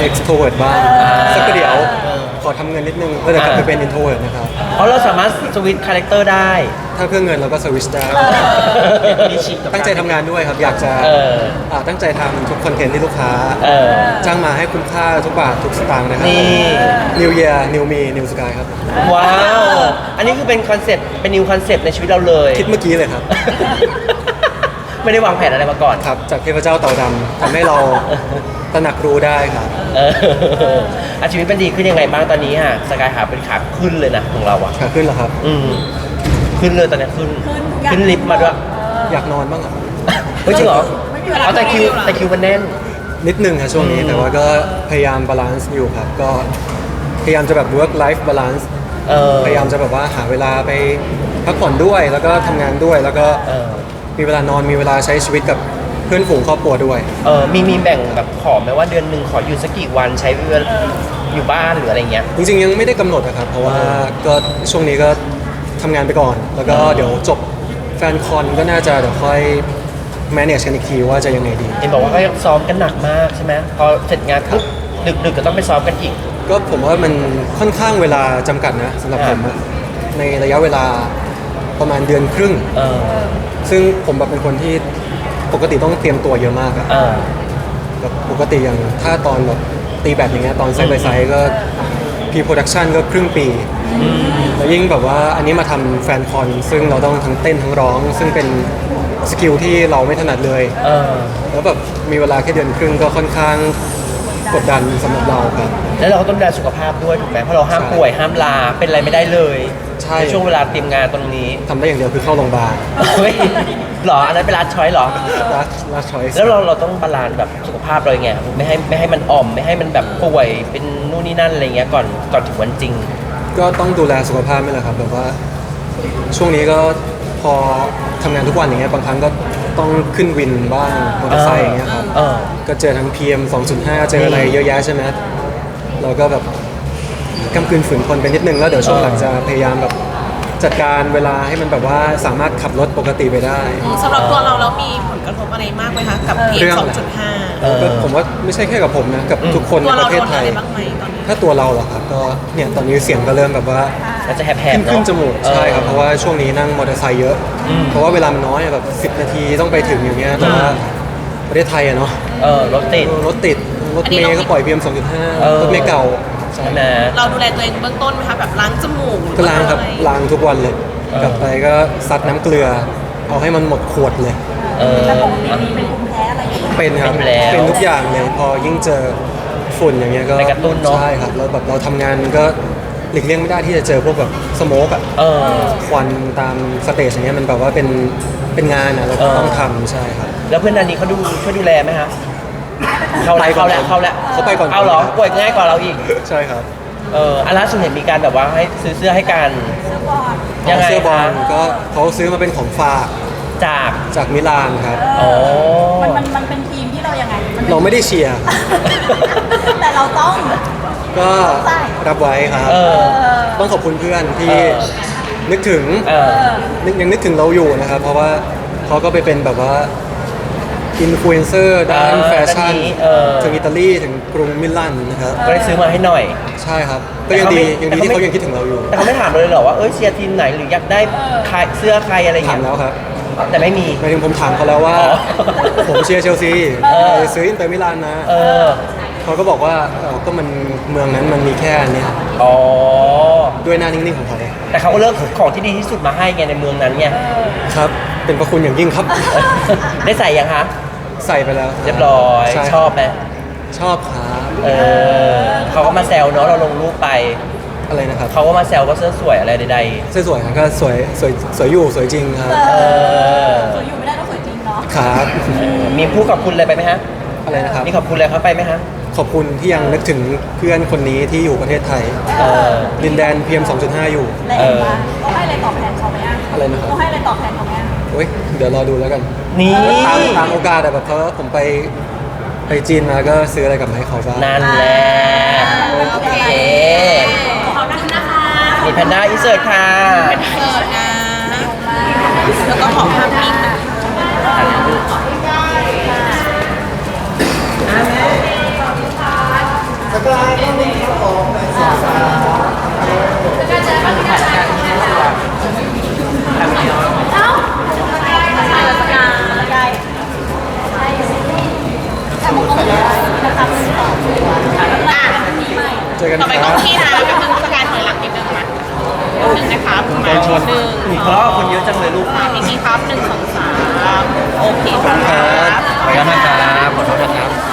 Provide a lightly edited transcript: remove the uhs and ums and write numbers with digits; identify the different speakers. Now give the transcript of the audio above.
Speaker 1: extrovert บ้างสักเดี๋ยวขอทำเงินนิดนึงก็จะกลับไปเป็น introvert นะครับ
Speaker 2: เพราะเราสามารถสวิตช์คาแรคเตอร์ได้
Speaker 1: ถ้าเพื่อเงินเราก็สวิตช์ได้
Speaker 2: มีชิปกับ
Speaker 1: ตั้งใจทำงานด้วยครับ อยากจะตั้งใจทำทุกคอนเทนต์ที่ลูกค้าจ้างมาให้คุ้มค่าทุกบาททุกสตางค์นะครับ
Speaker 2: นี่
Speaker 1: New Year New Me New Sky ครับ
Speaker 2: ว้าว อันนี้คือเป็นคอนเซ็ปต์เป็นนิวคอนเซ็ปต์ในชีวิตเราเลย
Speaker 1: คิดเมื่อกี้เลยครับ
Speaker 2: ไม่ได้วางแผนอะไรมาก่อน
Speaker 1: ครับจากเทพเจ้าเต่าดำทำให้เราตระหนักรู้ได้ครับ
Speaker 2: ชีวิตเป็นดีขึ้นยังไงบ้างตอนนี้ฮะสกายหาเป็นขาขึ้นเลยนะของเราอะ
Speaker 1: ขาขึ้นเหรอครับ
Speaker 2: ขึ้นเลยตอนนี้ขึ้นลิฟต์มาด้วย
Speaker 1: อยากนอนบ้างครับ
Speaker 2: เฮ้ยจริงเหรอเอาแต่คิวมันแน่น
Speaker 1: นิดนึงครับช่วงนี้แต่ว่าก็พยายามบาลานซ์อยู่ครับ ก็พยายามจะแบบ work life balance พยายามจะแบบว่าหาเวลาไปพักผ่อนด้วยแล้วก็ทำงานด้วยแล้วก็มีเวลานอนมีเวลาใช้ชีวิตกับเพื่อนฝูงครอบครัวด้วย
Speaker 2: มีแบ่งแบบขอไหมว่าเดือนหนึ่งขออยู่สักกี่วันใช้เวลาอยู่บ้านหรืออะไรเงี้ย
Speaker 1: จริงๆยังไม่ได้กำหนดนะครับ เพราะว่าก็ช่วงนี้ก็ทำงานไปก่อน แล้วก็เดี๋ยวจบแฟนคอนก็น่าจะเดี๋ยวค่อย manage กันอีกทีว่าจะยังไงดี
Speaker 2: เห็นบอกว่าก็ยังซ้อมกันหนักมากใช่ไหมพอเสร็จงานปุ๊บดึกก็ต้องไปซ้อมกันอีก
Speaker 1: ก็ผมว่ามันค่อนข้างเวลาจำกัดนะสำหรับผมอะในระยะเวลาประมาณเดือนครึ่ง ซึ่งผมแบบเป็นคนที่ปกติต้องเตรียมตัวเยอะมากอะแบบปกติอย่างถ้าตอนแบบตีแบดอย่างเงี้ยตอนไซด์บายไซด์ก็พีโปรดักชันก็ครึ่งปีแล้วยิ่งแบบว่าอันนี้มาทำแฟนคอนซึ่งเราต้องทั้งเต้นทั้งร้อง ซึ่งเป็นสกิลที่เราไม่ถนัดเลยแล้วแบบมีเวลาแค่เดือนครึ่งก็ค่อนข้างกดดันสำหรับเราครับ
Speaker 2: แล้วเราก็ต้องดูแลสุขภาพด้วยถูกไหมเพราะเราห้ามป่วยห้ามลาเป็นอะไรไม่ได้เลย
Speaker 1: ใช่
Speaker 2: ในช่วงเวลาเตรียมงานตรงนี้
Speaker 1: ทำได้อย่างเดียวคือเข้าโรงพยาบาล
Speaker 2: เฮ้ยหรออันนั้นเป็นลาช้อยหรอ
Speaker 1: last choice
Speaker 2: แล้วเราต้องบาลานซ์แบบสุขภาพเราไงไม่ให้มันอ่อมไม่ให้มันแบบป่วยเป็นนู่นนี่นั่นอะไรเงี้ยก่อนถึงวันจริง
Speaker 1: ก็ต้องดูแลสุขภาพนี่แหละครับแบบว่าช่วงนี้ก็พอทำงานทุกวันอย่างเงี้ยบางครั้งก็ต้องขึ้นวินบ้างมอเตอร์ไซค์อย่างเงี้ยครับก็เจอทั้ง PM 2.5 เจออะไรเยอะแยะใช่ไหมเราก็แบบกำกืนฝืนทนไปนิดนึงแล้วเดี๋ยวช่วงหลังจะพยายามแบบจัดการเวลาให้มันแบบว่าสามารถขับรถปกติไปได้
Speaker 3: สำหรับตัวเราแล้วมีผลกระทบอะไรมากไหมคะกับ PM 2.5
Speaker 1: ก็ผมว่าไม่ใช่แค่กับผมนะกับทุกคน
Speaker 3: ตัว
Speaker 1: ในป
Speaker 3: เรา
Speaker 1: ระเท
Speaker 3: โด
Speaker 1: ศ
Speaker 3: น
Speaker 1: ไท
Speaker 3: อะไร
Speaker 1: ย
Speaker 3: บ้างไหมตอนนี้
Speaker 1: ถ้าตัวเราเหรอครับก็เนี่ยตอนนี้เสียงก็เริ่มแบบว่า
Speaker 2: มันจะแหบๆ
Speaker 1: ขึ้น
Speaker 2: เนาะ
Speaker 1: จมูกใช่ครับเพราะว่าช่วงนี้นั่งมอเตอร์ไซค์เยอะ เพราะว่าเวลามันน้อยอะแบบ10 นาทีต้องไปถึงอย่างเงี้ยแต่ว่าประเทศไทยอะเนาะ
Speaker 2: รถติด
Speaker 1: รถติดรถเมย์ก็ปล่อย PM 2.5 รถเมย์เก่า
Speaker 2: ใช่ไหม
Speaker 3: เราดูแลตัวเองเบื้องต้นไหมคะแบบล้างจมูก
Speaker 1: ก็ล้างครับล้างทุกวันเลย กลับไปก็ซัดน้ำเกลือ เอาให้มันหมดขวดเลย
Speaker 4: แล้วปกติมีเป็นภูมิแพ้อะไรอย่างเงี้ย
Speaker 1: เป็นครับ
Speaker 2: เป็นอยู่แล้ว
Speaker 1: เป็นทุกอย่างเลยพอยิ่งเจอฝุ่นอย่างเงี้ยก็
Speaker 2: ไปกระตุ้นเนอะ
Speaker 1: ใช่ครับแล้วแบบเราทำงานก็หลีกเลี่ยงไม่ได้ที่จะเจอพวกแบบสโมกอะควันตามสเตจอย่างเงี้ยมันแบบว่าเป็นงานอะเราก็ต้องทำใช่ครับ
Speaker 2: แล้วเพื่อนนันนี้เขาช่วยดูแลไหมฮะเขา
Speaker 1: ไปก่อน
Speaker 2: แล้ว
Speaker 1: เขาไปก่อน
Speaker 2: เอาเหรอป่วยง่ายกว่าเราอีก
Speaker 1: ใช่ครับ
Speaker 2: อันล่าสุดเห็นมีการแบบว่าให้ซื้อเสื้อให้กัน ยังไง
Speaker 1: เสื้อบอ
Speaker 2: คะ
Speaker 1: ลก็เขาซื้อมาเป็นของฝาก
Speaker 2: จาก
Speaker 1: จากมิลานครับ
Speaker 2: อ๋อ
Speaker 4: มันเป็นทีมที่เรายังไงมัน
Speaker 1: เราไม่ได้เชียร์
Speaker 4: แต่เราต้อง
Speaker 1: ก็รับไว้ครับ ต้องขอบคุณเพื่อนที่นึกถึงยังนึกถึงเราอยู่นะครับ เพราะว่าเขาก็ไปเป็นแบบว่าอินฟลูเอนเซอร์ด้านแฟชั่นถึงอิตาลีถึงกรุงมิลานนะครับ
Speaker 2: ก็ได้ซื้อมาให้หน่อย
Speaker 1: ใช่ครับ ก็ยังดีที่เขายังคิดถึงเราอยู่
Speaker 2: แต่เขาไม่ถามเราเลยเหรอว่าเชียร์ทีมไหนหรืออยากได้เสื้อใครอะไรอย่าง
Speaker 1: ถาม
Speaker 2: เงี้ย
Speaker 1: แล้วครับ
Speaker 2: แต่ไม่มี
Speaker 1: หมายถึงผมถามเขาแล้วว่า ผมเชียร์เชลซี
Speaker 2: อ
Speaker 1: ซื้ออินเตอร์มิลานนะ
Speaker 2: เออ
Speaker 1: เขาก็บอกว่าก็มันเมืองนั้นมันมีแค่อันเนี้ย
Speaker 2: อ๋อ
Speaker 1: ด้วยหน้านิ่งๆของเขา
Speaker 2: แต่เขาก็เลือกของที่ดีที่สุดมาให้ไงในเมืองนั้นไง
Speaker 1: ครับ เป็นประคุณอย่างยิ่งครับ
Speaker 2: ได้ใส่ยังคะ
Speaker 1: ใส่ไปแล้ว
Speaker 2: เรียบร้อย
Speaker 1: ใช่
Speaker 2: ชอบไหม
Speaker 1: ชอบครับ
Speaker 2: เขาก็มาแซวเนาะเราลงรูปไป
Speaker 1: อะไรนะครับ
Speaker 2: เขาก็มาแซวว่าเสื้อสวยอะไรใด
Speaker 1: สวยๆครับก็สวยอยู่สวยจริงครับ
Speaker 4: สวยอยู่ไม่ได้ต้องสวยจริงเนาะ
Speaker 1: ครับ
Speaker 2: มีผู้ขอบคุณอะไรไปไหมฮะ
Speaker 1: อะไรนะครับ
Speaker 2: มีขอบคุณอะไรเขาไปไหมฮะ
Speaker 1: ขอบคุณที่ยังนึกถึงเพื่อนคนนี้ที่อยู่ประเทศไทยดินแดน PM 2.5 อยู่
Speaker 4: แล้วเห็นว่าต้องให้อะไรตอบแทนเขาไหมอ่ะ
Speaker 1: อะไรนะครับ
Speaker 4: ต้องให้อะไรตอบแทนเขาไหมอ่ะ
Speaker 1: โอ้ยเดี๋ยวรอดูแล้วกัน
Speaker 2: นี่
Speaker 1: ตามโอกาสอะแบบเขาผมไปจีนมาก็ซื้ออะไรกลับมาให้เขาบ้าง
Speaker 2: นั่นแหละโอเค
Speaker 3: ขอบคุณนะคะ
Speaker 2: มีแพนด้าอินเสิร์ตค่ะ
Speaker 3: เปิดนะ แล้วก็ขอภาพนิ่งนะ
Speaker 4: เอ้าสกายแต่มึงก็เหมือนกันนะครับมีใหม่
Speaker 1: เจอกันค
Speaker 3: ต่อไป
Speaker 1: รั
Speaker 3: ก็
Speaker 1: บ
Speaker 3: พี่นะก็คือสกายถอยหลังนิดนึงนะหนึ่งนะครับมาหนึ่ง
Speaker 2: เพราะคนเยอะจังเลยลูก
Speaker 3: พี่ครับ1 2 3โอเคครับ
Speaker 2: ขออนุญาตนะครับขอโทษนะครับ